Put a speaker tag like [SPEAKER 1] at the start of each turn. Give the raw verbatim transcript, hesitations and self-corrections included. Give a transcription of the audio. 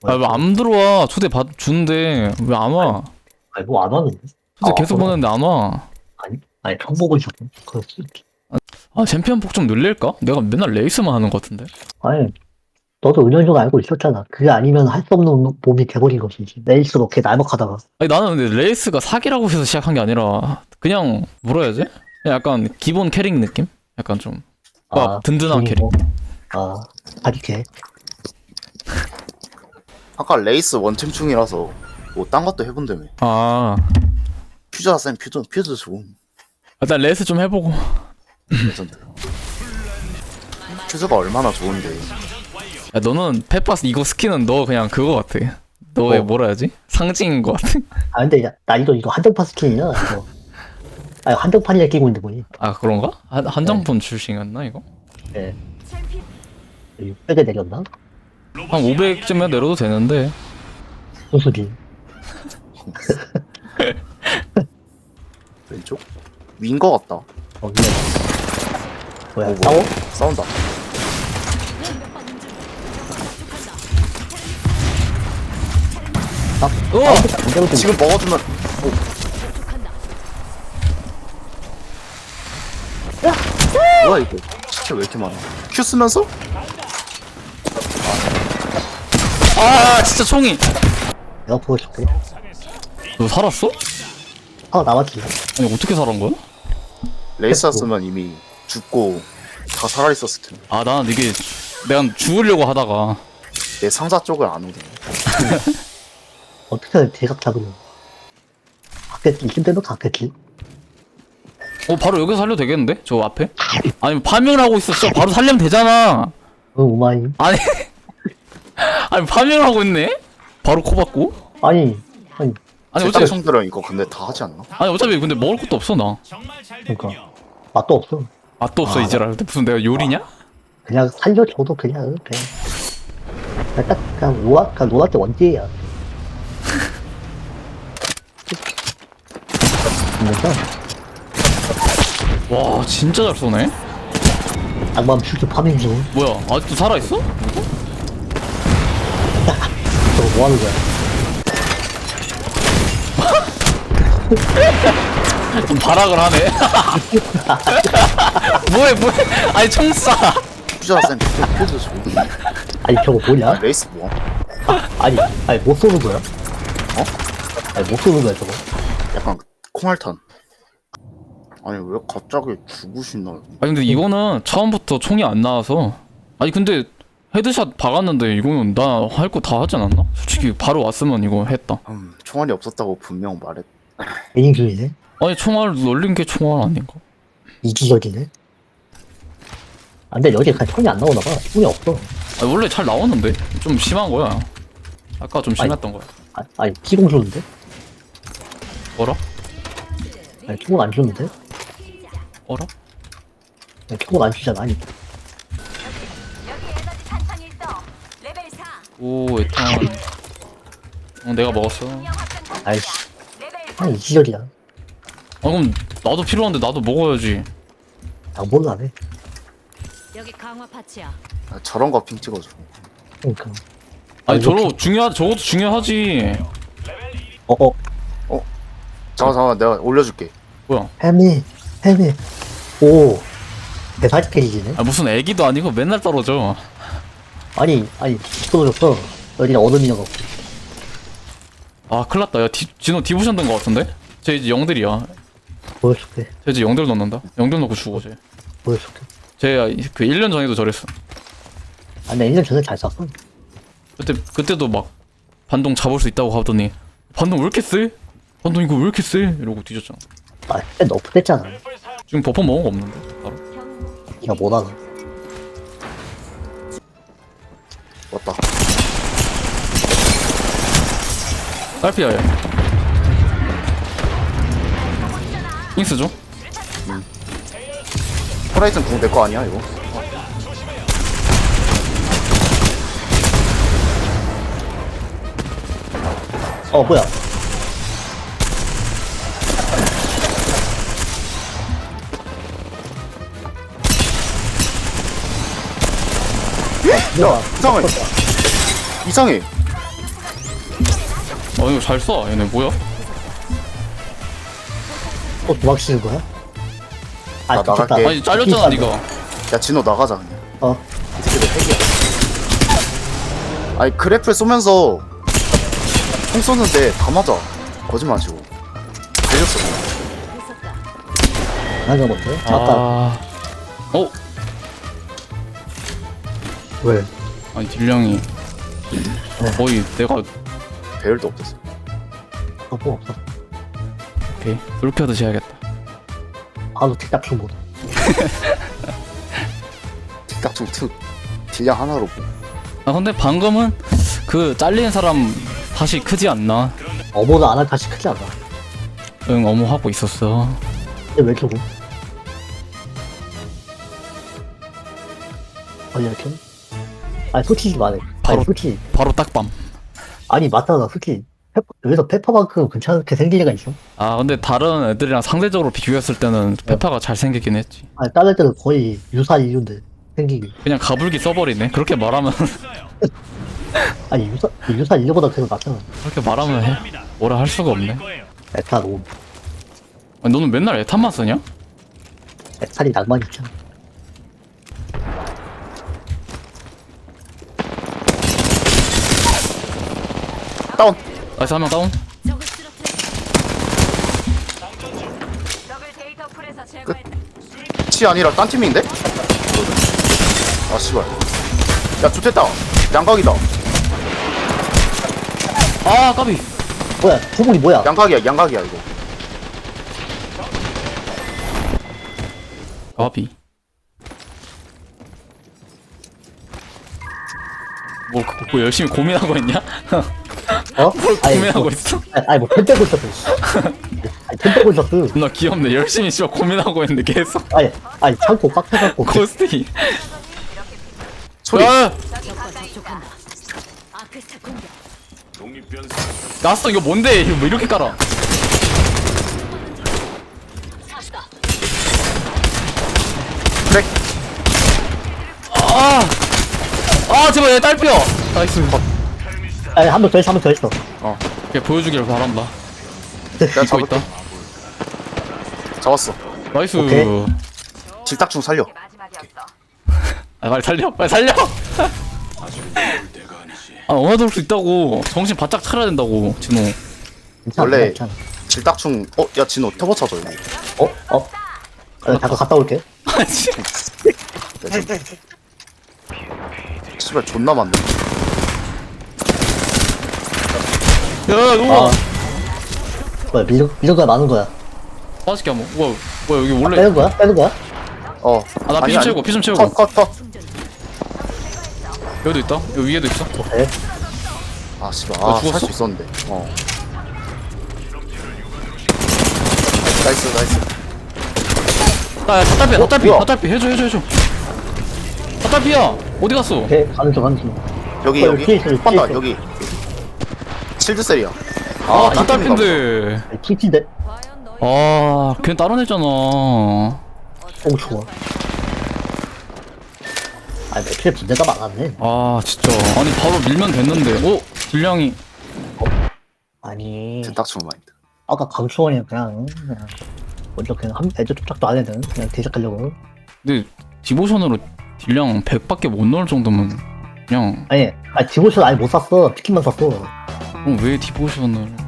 [SPEAKER 1] 아 왜 안 들어와? 초대 받 주는데 왜 안 와?
[SPEAKER 2] 아니 뭐 안 하는데?
[SPEAKER 1] 초대
[SPEAKER 2] 아,
[SPEAKER 1] 계속
[SPEAKER 2] 그럼.
[SPEAKER 1] 보냈는데 안 와.
[SPEAKER 2] 아니 아니 처음 보고 있었네. 그렇지.
[SPEAKER 1] 아 챔피언 폭 좀 늘릴까? 내가 맨날 레이스만 하는 것 같은데.
[SPEAKER 2] 아니 너도 은연중 알고 있었잖아. 그게 아니면 할 수 없는 몸이 돼버린 것이지. 레이스로 이렇게 날먹하다가.
[SPEAKER 1] 아니 나는 근데 레이스가 사기라고 해서 시작한 게 아니라 그냥 뭐라 해야지? 그냥 약간 기본 캐릭 느낌? 약간 좀 아, 든든한 캐릭.
[SPEAKER 2] 아 사기캐.
[SPEAKER 3] 아까 레이스 원챔 중이라서 뭐 딴 것도 해본다며.
[SPEAKER 1] 아
[SPEAKER 3] 퓨즈가 쌤 퓨즈 퓨즈 좋음.
[SPEAKER 1] 일단 레이스 좀 해보고.
[SPEAKER 3] 레전드. 퓨즈가 얼마나 좋은데.
[SPEAKER 1] 야, 너는 페파스 이거 스킨은 너 그냥 그거 같아. 너의
[SPEAKER 2] 어.
[SPEAKER 1] 뭐라 해야지? 상징인 것 같아.
[SPEAKER 2] 아 근데 야, 나 이거 이거 한정판 스킨이야. 이거. 아니 한정판이라 끼고 있는 거니.
[SPEAKER 1] 아 그런가? 한, 한정품 출시였나 이거?
[SPEAKER 2] 예. 육백에 내렸나?
[SPEAKER 1] 한 오백쯤에 내려도 되는데.
[SPEAKER 2] 소수지.
[SPEAKER 3] 왼쪽? 위인 거 같다.
[SPEAKER 2] 어 위에. 뭐야
[SPEAKER 3] 어,
[SPEAKER 2] 싸워?
[SPEAKER 3] 뭐야? 싸운다.
[SPEAKER 1] 어!
[SPEAKER 2] 어?
[SPEAKER 3] 지금 먹어주면. 오. 뭐야 이거? 진짜 왜 이렇게 많아? 큐 쓰면서?
[SPEAKER 1] 아 진짜 총이.
[SPEAKER 2] 내가 보고 싶대.
[SPEAKER 1] 너 살았어?
[SPEAKER 2] 아 나왔지.
[SPEAKER 1] 아니 어떻게 살은 거야?
[SPEAKER 3] 레이스였으면 이미 죽고 다 살아있었을 텐데.
[SPEAKER 1] 아 나는 이게 내가 죽으려고 하다가
[SPEAKER 3] 내 상자 쪽을 안 오네.
[SPEAKER 2] 어떻게 대각 잡으면. 갔겠지. 이쯤 되면 갔겠지.
[SPEAKER 1] 어 바로 여기서 살려도 되겠는데? 저 앞에? 아니 파밍하고 있었어. 바로 살려면 되잖아.
[SPEAKER 2] 응 오마이.
[SPEAKER 1] 아니 아니 파밍을 하고 있네? 바로 코 받고?
[SPEAKER 2] 아니 아니
[SPEAKER 1] 아니
[SPEAKER 3] 제
[SPEAKER 1] 어차피
[SPEAKER 3] 친구들은 이거 근데 다 하지 않나?
[SPEAKER 1] 아니 어차피 근데 먹을 것도 없어 나.
[SPEAKER 2] 그러니까 맛도 없어.
[SPEAKER 1] 맛도 없어
[SPEAKER 2] 아,
[SPEAKER 1] 이제라. 근데 무슨 내가 요리냐?
[SPEAKER 2] 그냥 살려줘도 그냥 그냥 그냥 딱 그냥 노아 그냥 노아 때 원딜이야. 진짜
[SPEAKER 1] 와 진짜 잘 쏘네.
[SPEAKER 2] 악마음 슈트 파밍 중.
[SPEAKER 1] 뭐야 아직도 살아있어?
[SPEAKER 2] 저거 뭐 하는 거야?
[SPEAKER 1] 좀 발악을 하네. 뭐해 뭐해. 아니 총 쏴.
[SPEAKER 3] 퓨즈가 쌤 퓨즈 퓨즈 좋은.
[SPEAKER 2] 아니 저거 뭐냐?
[SPEAKER 3] 레이스 뭐?
[SPEAKER 2] 아니 아니 못 쏘는 거야? 어? 아니 못 쏘는 거야 저거.
[SPEAKER 3] 약간 콩알탄. 아니 왜 갑자기 죽으시나요?
[SPEAKER 1] 아니 근데 이거는 처음부터 총이 안 나와서. 아니 근데 헤드샷 박았는데 이거는 나 할 거 다 하지 않았나? 솔직히 바로 왔으면 이거 했다.
[SPEAKER 3] 음, 총알이 없었다고 분명 말했.
[SPEAKER 2] 애인 중이네.
[SPEAKER 1] 아니 총알 놀린 게 총알 아닌가?
[SPEAKER 2] 이기적이네. 아 근데 여기 그냥 총이 안 나오나 봐. 총이 없어.
[SPEAKER 1] 아니 원래 잘 나왔는데 좀 심한 거야. 아까 좀 심했던 거야.
[SPEAKER 2] 아, 아니 기공 주는데?
[SPEAKER 1] 어라?
[SPEAKER 2] 아니 총은 안 주는데?
[SPEAKER 1] 어라?
[SPEAKER 2] 아니, 총은 안 주잖아. 아니
[SPEAKER 1] 오 에탄. 어 내가 먹었어.
[SPEAKER 2] 아이씨. 아니 이기적이야.
[SPEAKER 1] 아 그럼 나도 필요한데 나도 먹어야지.
[SPEAKER 2] 양보는 안 해.
[SPEAKER 4] 여기 강화 파츠야.
[SPEAKER 3] 아, 저런 거 핑 찍어줘.
[SPEAKER 2] 그러니까.
[SPEAKER 1] 아니
[SPEAKER 2] 아니,
[SPEAKER 1] 저러
[SPEAKER 2] 이렇게-
[SPEAKER 1] 중요하 저것도 중요하지.
[SPEAKER 2] 어어
[SPEAKER 3] 잠깐 잠깐 내가 올려줄게.
[SPEAKER 1] 뭐야?
[SPEAKER 2] 해미 해미. 오. 대사지 캐리지네.
[SPEAKER 1] 아 무슨 애기도 아니고 맨날 떨어져.
[SPEAKER 2] 아니 아니 떨어졌어. 여기가 얼음이냐고.
[SPEAKER 1] 아 큰일났다. 야 디, 진호 디부션 된 거 같은데? 쟤 이제 영들이야.
[SPEAKER 2] 보여줄게.
[SPEAKER 1] 쟤 이제 영들 넣는다. 영들 넣고 죽어 쟤.
[SPEAKER 2] 보여줄게.
[SPEAKER 1] 쟤그 일 년 전에도 저랬어.
[SPEAKER 2] 아니 나 일 년 전에 잘 쐈어.
[SPEAKER 1] 그때 그때도 막 반동 잡을 수 있다고 하더니 반동 왜 이렇게 세? 반동 이거 왜 이렇게 세? 이러고 뒤졌잖아.
[SPEAKER 2] 아 그때 너프 됐잖아.
[SPEAKER 1] 지금 버퍼 먹은 거 없는데 바로.
[SPEAKER 2] 니가 못하나.
[SPEAKER 3] 왔다.
[SPEAKER 1] 딸피야 얘. 잉스 줘?
[SPEAKER 3] 호라이즌 궁 내 거 아니야 이거?
[SPEAKER 2] 어 뭐야?
[SPEAKER 3] 야 이상해. 이상해.
[SPEAKER 1] 아 이거 잘 쏴. 얘네 뭐야?
[SPEAKER 2] 또 도망치는 거야? 아,
[SPEAKER 3] 나
[SPEAKER 2] 좋겠다.
[SPEAKER 3] 나갈게.
[SPEAKER 1] 아니 잘렸잖아
[SPEAKER 2] pis다,
[SPEAKER 1] 니가.
[SPEAKER 3] 야 진호 나가자 그냥.
[SPEAKER 2] 어.
[SPEAKER 3] 이 새끼들 핵이야. 아니 그래플 쏘면서 총 쏘는데 다 맞아. 거짓말치고. 달렸어.
[SPEAKER 4] 있었다.
[SPEAKER 2] 나가 못해? 아까
[SPEAKER 1] 아. 어?
[SPEAKER 2] 왜?
[SPEAKER 1] 아니 딜량이 거의 내가
[SPEAKER 3] 배열도 없었어.
[SPEAKER 2] 어, 뭐 없어.
[SPEAKER 1] 오케이 솔캐드 해야겠다.
[SPEAKER 2] 바로 틱딱 춤 보다.
[SPEAKER 3] 틱딱총 특 딜량 하나로 뭐.
[SPEAKER 1] 아 근데 방금은 그 잘리는 사람 다시 크지 않나?
[SPEAKER 2] 어머도 안 할 다시 크지 않아.
[SPEAKER 1] 응 어머 하고 있었어.
[SPEAKER 2] 근데 왜 이렇게 아니 이렇게? 아니 솔직히 말해.
[SPEAKER 1] 바로-
[SPEAKER 2] 아니 솔직히
[SPEAKER 1] 바로 딱밤.
[SPEAKER 2] 아니 맞다 나 솔직히 페퍼, 여기서 페퍼만큼 괜찮게 생길 리가 있어?
[SPEAKER 1] 아 근데 다른 애들이랑 상대적으로 비교했을 때는 페파가 잘 생기긴 했지.
[SPEAKER 2] 아니 다른 때는 거의 유사한 이유인데 생기기.
[SPEAKER 1] 그냥 가불기 써버리네. 그렇게 말하면
[SPEAKER 2] 아니 유사 유사한 이유보다 계속 낫잖아.
[SPEAKER 1] 그렇게 말하면 해. 뭐라 할 수가 없네.
[SPEAKER 2] 에탄 오.
[SPEAKER 1] 아니, 너는 맨날 에탄만 쓰냐?
[SPEAKER 2] 에탄이 낭만 있잖아.
[SPEAKER 3] 다운.
[SPEAKER 1] 나이스 한 명 다운.
[SPEAKER 4] 적을 쓰러뜨려. 적을 데이터 풀에서 제거했다.
[SPEAKER 3] 치 아니라 딴 팀인데? 아 씨발. 야 좋댔다. 양각이다.
[SPEAKER 1] 아 까비.
[SPEAKER 2] 뭐야 소문이 뭐야?
[SPEAKER 3] 양각이야 양각이야 이거.
[SPEAKER 1] 까비. 뭐, 그- 뭐 열심히 고민하고 있냐?
[SPEAKER 2] 어? 아니,
[SPEAKER 1] 고민하고
[SPEAKER 2] 뭐,
[SPEAKER 1] 있어?
[SPEAKER 2] 아니, 아니 뭐펜 빼고 있었어. 씨. 아니 펜 빼고 있었어.
[SPEAKER 1] 나 귀엽네. 열심히 씨발 고민하고 있는데 계속
[SPEAKER 2] 아니 아니 참고 빡해갖고.
[SPEAKER 1] 코스틱이.
[SPEAKER 3] 소리.
[SPEAKER 1] 야!
[SPEAKER 4] 적과 접촉한다. 아크스타 공격.
[SPEAKER 1] 나왔어 이거 뭔데? 이거 뭐 이렇게 깔아?
[SPEAKER 3] 그래.
[SPEAKER 1] 아! 아 제발 얘 딸피어! 나이스.
[SPEAKER 2] 아니 한 번 더 했어 한 번 더 했어.
[SPEAKER 1] 어. 걔 보여주길 바란다.
[SPEAKER 3] 내가
[SPEAKER 1] 믿고
[SPEAKER 3] 잡을게.
[SPEAKER 1] 있다.
[SPEAKER 3] 잡았어.
[SPEAKER 1] 나이스.
[SPEAKER 2] 오케이.
[SPEAKER 3] 질딱충 살려.
[SPEAKER 1] 아 빨리 살려. 빨리 살려. 아 얼마나 수 있다고. 정신 바짝 차려야 된다고 진호.
[SPEAKER 2] 괜찮아
[SPEAKER 3] 원래-
[SPEAKER 2] 괜찮아.
[SPEAKER 3] 질딱충. 어, 야 진호 터보 쳐줘 여기.
[SPEAKER 2] 어? 어? 아, 잠깐 갔다 올게.
[SPEAKER 1] 아씨.
[SPEAKER 3] 씨발 존나 많네.
[SPEAKER 1] 야
[SPEAKER 2] 아.
[SPEAKER 1] 누가?
[SPEAKER 2] 뭐야 미적 미적가 많은 거야.
[SPEAKER 1] 맛있게 한번. 뭐야 뭐야 여기
[SPEAKER 2] 아,
[SPEAKER 1] 원래.
[SPEAKER 2] 빼는 거야? 빼는 거야?
[SPEAKER 3] 어.
[SPEAKER 1] 아, 나 피
[SPEAKER 3] 아니,
[SPEAKER 1] 좀
[SPEAKER 3] 아니.
[SPEAKER 1] 채우고, 피 좀 채우고.
[SPEAKER 3] 컷, 컷, 컷.
[SPEAKER 1] 여기도 있다. 여기 위에도 있어.
[SPEAKER 2] 오케이.
[SPEAKER 3] 아, 씨발.
[SPEAKER 1] 어,
[SPEAKER 3] 아,
[SPEAKER 1] 죽었어?
[SPEAKER 3] 살 수 있었는데. 어. 나이스, 나이스.
[SPEAKER 1] 나야 닭달피
[SPEAKER 3] 어,
[SPEAKER 1] 닭달피
[SPEAKER 3] 뭐야?
[SPEAKER 1] 닭달피 해줘 해줘 해줘. 닭달피야 어디 갔어?
[SPEAKER 2] 오케이 가는 중 가는 중.
[SPEAKER 3] 여기,
[SPEAKER 2] 어,
[SPEAKER 3] 여기.
[SPEAKER 2] 뒤에 있어, 뒤에
[SPEAKER 3] 판다,
[SPEAKER 2] 있어.
[SPEAKER 3] 여기. 칠드셀이야.
[SPEAKER 1] 아
[SPEAKER 3] 이
[SPEAKER 1] 닭달피인데.
[SPEAKER 2] 킬티인데?
[SPEAKER 4] 과연 너희
[SPEAKER 1] 아 걔 다른 애잖아.
[SPEAKER 2] 오 좋아. 아니 매트에 문제가 많았네.
[SPEAKER 1] 아 진짜 아니 바로 밀면 됐는데. 오 딜량이.
[SPEAKER 2] 아니
[SPEAKER 3] 질딱충 마인드.
[SPEAKER 2] 아까 강추원이 그냥 그냥 먼저 그냥 한 애들 쫓작도 안 해든 그냥 대적하려고.
[SPEAKER 1] 근데 디보션으로 딜량 백밖에 못 넣을 정도면 그냥
[SPEAKER 2] 아니 아니 디보션 아예 못 샀어. 피킹만 샀어.
[SPEAKER 1] 어, 왜 디보션을?